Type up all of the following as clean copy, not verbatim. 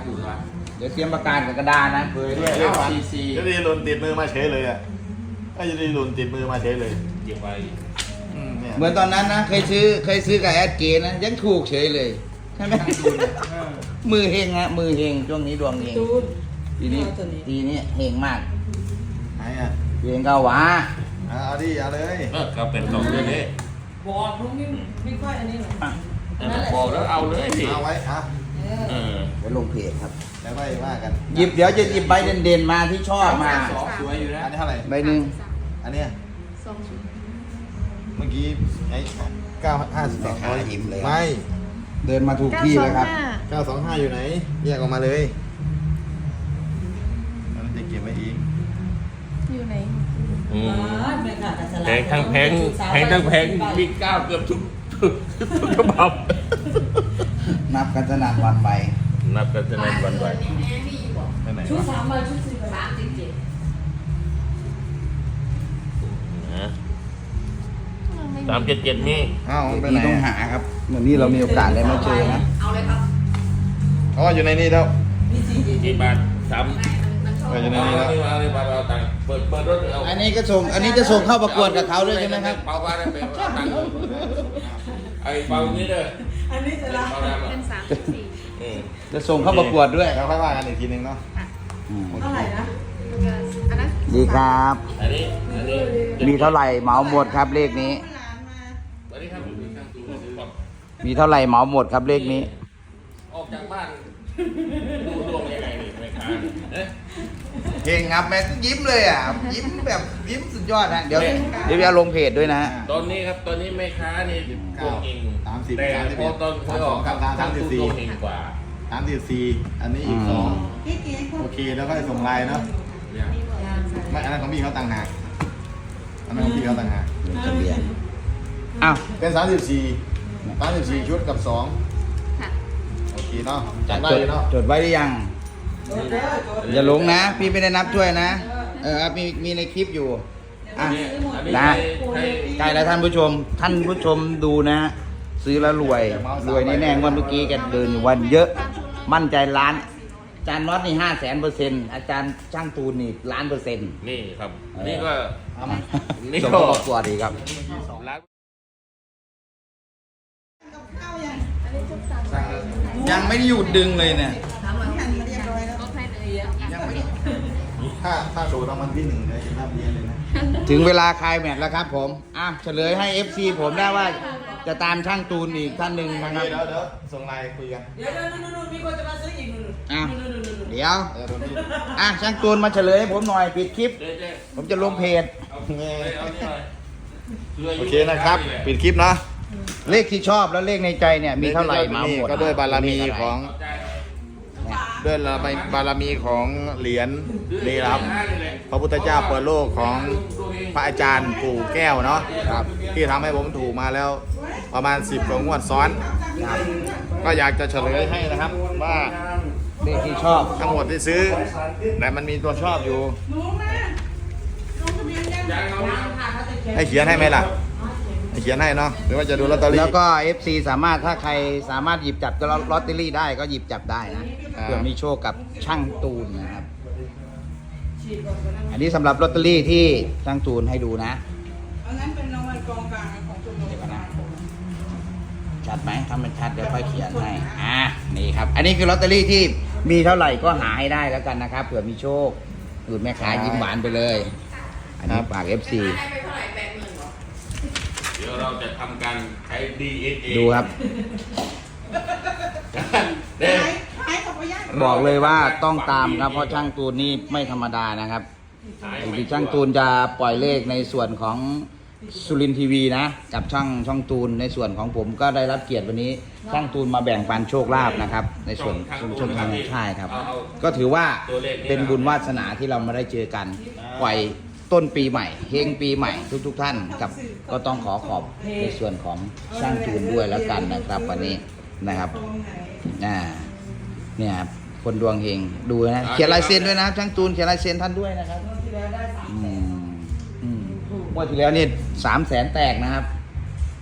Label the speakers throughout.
Speaker 1: ถูกละ
Speaker 2: เดี๋ยวเตรียมประกาศกับกระดาษนะเผยด้วยซี
Speaker 3: จะดีหล่นติดมือมาเฉยเลยอ่ะก็จะดีหล่นติดมือมาเฉยเลย
Speaker 1: เก็บไว้
Speaker 2: เหมือนตอนนั้นนะเคยซื้อกับแอดเกนะยังถูกเฉยเลยใช่ไหมมือเฮงฮะมือเฮงช่วงนี้ดวงเฮงทีนี้เฮงมาก
Speaker 3: ไหนอ่ะ
Speaker 2: เฮงก็หวา
Speaker 3: เอาดิเอาเลย
Speaker 1: ก็เป็นสองเรื่องนี้
Speaker 4: บอกลุงนี่ไม่ค่อยอันนี้หรอก
Speaker 1: บอกแล้วเอาเลยสิ
Speaker 3: เอาไว้อ่ะ
Speaker 2: เดี๋ยวลงเพจครับ
Speaker 3: แล้วไปว่ากัน
Speaker 2: เดี๋ยวจะหยิบใบเด่นๆมาที่ชอบมา
Speaker 1: สองสวยอยู่นะ
Speaker 3: อันนี้เท่าไหร่
Speaker 2: ใบหนึ่ง
Speaker 3: อันเนี้ย
Speaker 5: 2 ชุด
Speaker 3: เมื่อกี้ไอ้952ไม่
Speaker 2: เดินมาถูกที่เลยครับ
Speaker 3: 925อยู่ไหนแยกออกมาเลยมันจะเก็บไว้อีก
Speaker 5: อยู่ไหน
Speaker 1: แพงทั้งแพงทั้งแพงมีเก้าเกือบทุกฉบับ
Speaker 2: นับกันสนั่นหวันไหว
Speaker 1: นับกันจะนานวันไหว
Speaker 3: ไปไหน
Speaker 4: ชุด
Speaker 3: วะ
Speaker 4: 3 ใบชุด4 ใบ
Speaker 1: 377นี่
Speaker 3: อ้าวมันไป
Speaker 2: พี่
Speaker 3: ไหน
Speaker 2: ต้องหาครับเหมือนนี่เรามีโอกาสได้มาเจอนะ
Speaker 4: เอาเลยครับ
Speaker 3: อ๋ออยู่ในนี้แล้ว
Speaker 4: นี่4
Speaker 1: กี่บาท3
Speaker 3: อยู่ในนี้แล้ว
Speaker 1: เอาเลยเอาตังค์เปิดรถเอา
Speaker 2: อันนี้จะส่งเข้าประกวดกับเขาด้วยใช่ไหมครับ
Speaker 1: เปาบ้านได้ไปเอาตังค์ไอ้เปานี้เลย
Speaker 4: อันนี้จะละ
Speaker 1: เปาดำ
Speaker 5: เป็น
Speaker 1: อ่ะ
Speaker 5: 3 4
Speaker 2: จะส่งเข้าประกวดด้วย
Speaker 3: แล้วค่อยว่ากันอีกทีนึงเนาะ
Speaker 2: อืม
Speaker 4: เท่าไหร่นะ
Speaker 5: อันนั้น
Speaker 2: ดีครับ
Speaker 1: อันนี้
Speaker 2: มีเท่าไหร่เหมาหมดครับเลขนี้
Speaker 1: อันนี้ครับ
Speaker 2: มีเท่าไหร่เหมาหมดครับเลขนี้
Speaker 1: ออกจากบ้านดูดวงยังไงนี่ไม่ค้าเอ๊ะ
Speaker 2: เก่งครับแม่ยิ้มเลยอ่ะยิ้มแบบยิ้มสุดยอดนะเดี๋ยวจะลงเพจด้วยนะ
Speaker 1: ตอนนี้ครับตอนนี้แม่ค้านี่ดวงเอง
Speaker 3: 30
Speaker 1: แต่พอตอนเขาออกครับทางตู้ดวงเองกว่า
Speaker 3: 34อันนี้อีก
Speaker 2: อืม
Speaker 3: 2โอเคแล้วก็ส่งไลน์เนาะไม่อันนั้นของพี่เขาต่างหากอันนั้นของพี่เขาต่างหาก
Speaker 2: ทะเบียนอ้าว
Speaker 3: เป็น34ชุดกับ2
Speaker 5: ค่ะ
Speaker 3: โอเคเนาะจัดได้เลยเนาะ
Speaker 2: จดไว้หรือยัง อย่าหลงนะ พี่ไม่ได้นับถ้วยนะ ครับมีในคลิปอยู่อ่ะ นะ ใกล้แล้วท่านผู้ชมดูนะฮะซื้อแล้วรวยแน่ๆวันเมื่อกี้แกเดินอยู่วันเยอะ มั่นใจล้านอาจารย์น็อตนี่500,000%อาจารย์ช่างตูนนี่1,000,000%
Speaker 1: นี่ครับ นี่ก็
Speaker 2: เอามา
Speaker 1: นี่
Speaker 2: ส่ง
Speaker 1: ก็
Speaker 2: เข้าประกวดดีครับ
Speaker 1: ร้าน
Speaker 2: ยังไม่ได้หยุดดึงเลยเนี่ย
Speaker 5: ก็ให้เลยเยอะ
Speaker 2: ยังไม่ได้
Speaker 3: ถ้าโดนรางวัลที่1ได้จะนับเรียนเลยนะ
Speaker 2: ถึงเวลาคลายแมตช์แล้วครับผมเฉลยให้ FC ผมได้ว่าจะตามช่างตูนอีกท่านหนึ่งนะครับ
Speaker 3: เดี๋ยวส่งไลน์คุยกัน
Speaker 4: เดี๋ยวนู่นมีคนจะมาซื้ออีกนู่น
Speaker 2: อ่ะ
Speaker 4: นู่น
Speaker 2: เดี๋ยว
Speaker 3: โดนพี่
Speaker 2: ช่างตูนมาเฉลยให้ผมหน่อยปิดคลิป
Speaker 1: เจ๊
Speaker 2: ผมจะลงเพจ
Speaker 1: เอานี่หน่อย
Speaker 3: โอเคนะครับ ปิดคลิปเนาะ
Speaker 2: เลขที่ชอบแล้วเลขในใจเนี่ยมีเท่าไหร่มาหมด
Speaker 3: ก็ด้วยบารมีของ
Speaker 1: ใจ
Speaker 3: ด้วยบารมีของเหรียญนี่ครับ พระพุทธเจ้าเปิดโลกของพระอาจารย์ปู่แก้วเนาะครับที่ทำให้ผมถูกมาแล้วประมาณ10 กว่างวดซ้อนครับก็อยากจะเฉลยให้นะครับว่า
Speaker 2: เลขที่ชอบ
Speaker 3: ทั้งหมดที่ซื้อแต่มันมีตัวชอบอยู่ ให้เขียนให้ไหมล่ะให้เขียนให้เนาะหรือว่าจะดูลอตเตอรี่
Speaker 2: แล้วก็ FC สามารถถ้าใครสามารถหยิบจับลอตเตอรี่ได้ก็หยิบจับได้นะเพื่อมีโชคกับช่างตูนนะครับ อันนี้สำหรับลอตเตอรี่ที่ช่างตูนให้ดูนะ
Speaker 4: อันนั้นเป็นรางวัลกองกลางของชมรม
Speaker 2: เดี๋ยวก่อนนะ ชัดไหมถ้ามันชัดเดี๋ยวค่อยเขียนให้นี่ครับ อันนี้คือลอตเตอรี่ที่มีเท่าไหร่ก็หาให้ได้แล้วกันนะครับเผื่อมีโชคดูดแม่ค้ายิ้มหวานไปเลย อันนี้ฝาก FC
Speaker 1: เดี๋ยวเราจะทำการใช้ DNA
Speaker 2: ดูครับ
Speaker 1: เด้
Speaker 2: บอกเลยว่าต้องตามครับเพราะช่างตูนนี่ไม่ธรรมดานะครับที่ช่างตูนจะปล่อยเลขในส่วนของสุรินทร์ทีวีนะกับช่องตูนในส่วนของผมก็ได้รับเกียรติวันนี้ช่างตูนมาแบ่งปันโชคลาภนะครับ ในส่วนช่องทางใช่ครับ ก็ถือว่าเป็นบุญวาสนาที่เรามาได้เจอกันปล่อยต้นปีใหม่เฮงปีใหม่ทุกท่านกับก็ต้องขอบในส่วนของช่างตูนด้วยแล้วกันนะครับวันนี้นะครับเนี่ยครับคนดวงเฮงดูนะเขียนลายเซ็นด้วยนะครับช่างตูนเขียนลายเซ็นท่านด้วยนะครับเมื่อที่แล้วนี่300,000 แตกนะครับ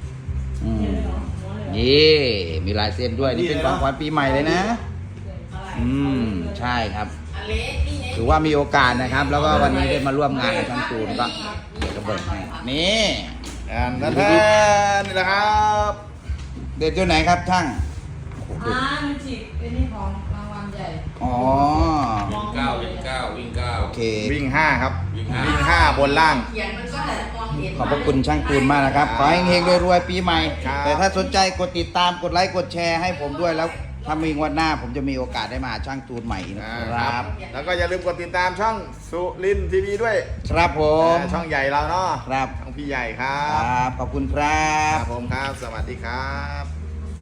Speaker 2: นี่มีลายเซ็นด้วยนี่เป็นของขวัญปีใหม่เลยนะใช่ครับ ถือว่ามีโอกาสนะครับ แล้วก็วันนี้ได้มาร่วมงานกับช่างตูนก็เดี๋ยวจะเบิกให้นี่
Speaker 3: นั่นนี่แหละครับ
Speaker 2: เด็ดตัวไหนครับช่าง
Speaker 4: มันฉีกเป็นนี่ของรางวัลใหญ่
Speaker 2: อ๋อ
Speaker 1: วิ่งเก้าวิ่งเก้าวิ่งเก้า
Speaker 2: โอเค
Speaker 3: วิ่ง 5 ครับ
Speaker 1: วิ่งห้า
Speaker 3: วิ่ง 5 บนล่าง
Speaker 4: เขียนมันก็แต่มองเห็น
Speaker 2: ขอบพระคุณช่างตูนมากนะครับ ขอให้เฮงๆรวยๆปีใหม่
Speaker 3: ครับ
Speaker 2: แต่ถ้าสนใจกดติดตามกดไลค์กดแชร์ให้ผมด้วยแล้ว ถ้ามีงวดหน้าผมจะมีโอกาสได้มาหาช่างตูนใหม่อีกนะครับ
Speaker 3: แล้วก็อย่าลืมกดติดตามช่องสุรินทร์ทีวีด้วย
Speaker 2: ครับผม
Speaker 3: ช่องใหญ่เราเนาะ
Speaker 2: ครับ
Speaker 3: ช่องพี่ใหญ่ครั
Speaker 2: ครับ บขอบคุณครั
Speaker 3: ครับ บผมครับ สวัสดีครับ